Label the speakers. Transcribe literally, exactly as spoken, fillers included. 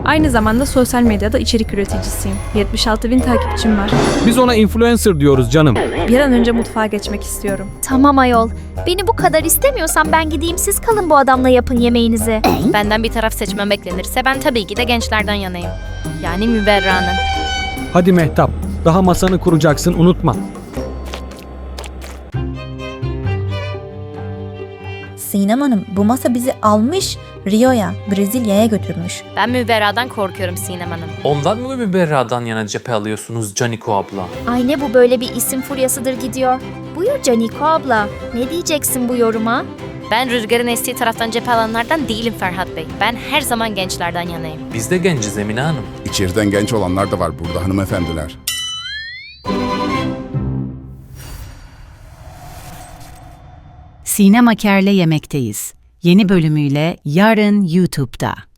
Speaker 1: Aynı zamanda sosyal medyada içerik üreticisiyim. yetmiş altı bin takipçim var.
Speaker 2: Biz ona influencer diyoruz canım.
Speaker 1: Bir an önce mutfağa geçmek istiyorum.
Speaker 3: Tamam ayol. Beni bu kadar istemiyorsan ben gideyim, siz kalın bu adamla yapın yemeğinizi.
Speaker 4: Benden bir taraf seçmem beklenirse ben tabii ki de gençlerden yanayım. Yani Müberra'nın.
Speaker 2: Hadi Mehtap, daha masanı kuracaksın, unutma.
Speaker 5: Sinem Hanım, bu masa bizi almış Rio'ya, Brezilya'ya götürmüş.
Speaker 4: Ben Müberra'dan korkuyorum Sinem Hanım.
Speaker 6: Ondan mı Müberra'dan yana cephe alıyorsunuz Caniko abla?
Speaker 3: Ay ne bu böyle bir isim furyasıdır gidiyor. Buyur Caniko abla. Ne diyeceksin bu yoruma?
Speaker 4: Ben rüzgarın estiği taraftan cephe alanlardan değilim Ferhat Bey. Ben her zaman gençlerden yanayım.
Speaker 6: Biz de genciz Emine Hanım.
Speaker 7: İçeriden genç olanlar da var burada hanımefendiler.
Speaker 8: Sinem Aker'le Yemekteyiz. Yeni bölümüyle yarın YouTube'da.